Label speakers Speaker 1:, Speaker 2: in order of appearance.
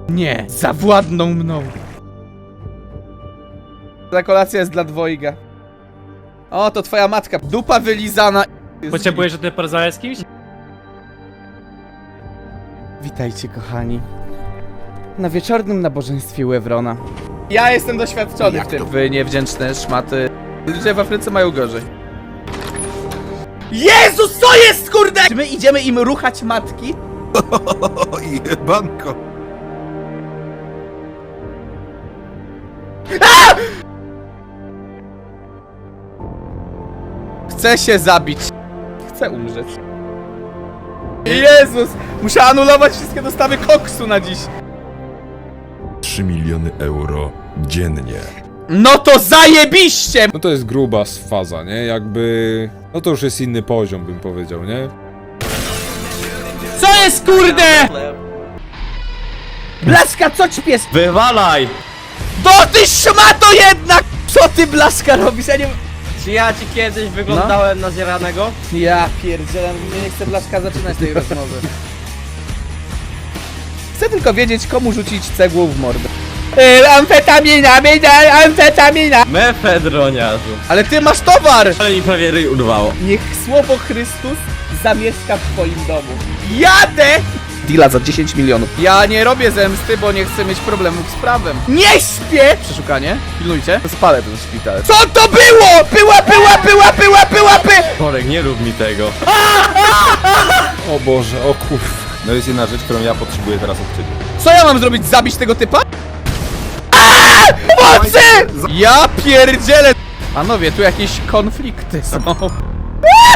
Speaker 1: Nie, zawładną mną. Ta kolacja jest dla dwojga. O, to twoja matka. Dupa wylizana.
Speaker 2: Potrzebujesz, że ty porozmawiać z kimś?
Speaker 1: Witajcie, kochani. Na wieczornym nabożeństwie u Ewrona. Ja jestem doświadczony w tym. Wy niewdzięczne szmaty. Ludzie w Afryce mają gorzej. Jezus, co jest, kurde? Czy my idziemy im ruchać matki?
Speaker 3: O, jebanko.
Speaker 1: Chcę się zabić. Chcę umrzeć. Jezus! Muszę anulować wszystkie dostawy koksu na dziś.
Speaker 3: 3 miliony euro dziennie.
Speaker 1: No to zajebiście!
Speaker 4: No to jest gruba faza, nie? Jakby... No to już jest inny poziom, bym powiedział, nie?
Speaker 1: Co jest, kurde? Blaska, co ci pies?
Speaker 2: Wywalaj!
Speaker 1: Do ty szmato jednak! Co ty, Blaska, robisz? Ja nie...
Speaker 2: Czy ja ci kiedyś wyglądałem na zjaranego?
Speaker 1: Ja pierdzielę, nie chcę, Blaszka, zaczynać tej rozmowy. Chcę tylko wiedzieć, komu rzucić cegłą w mordę. Amfetamina, amfetamina!
Speaker 2: Mefedroniarzu.
Speaker 1: Ale ty masz towar!
Speaker 2: Ale mi prawie ryj urwało.
Speaker 1: Niech słowo Chrystus zamieszka w twoim domu. Jadę! Deala za 10 milionów. Ja nie robię zemsty, bo nie chcę mieć problemów z prawem. Nie śpię! Przeszukanie. Pilnujcie. Spalę ten szpital. Co to było? Była!
Speaker 2: Korek, nie rób mi tego.
Speaker 4: O Boże, o kurwa.
Speaker 5: No jest jedna rzecz, którą ja potrzebuję teraz od ciebie.
Speaker 1: Co ja mam zrobić? Zabić tego typa? Pomocy! Ja pierdzielę! Panowie, tu jakieś konflikty są.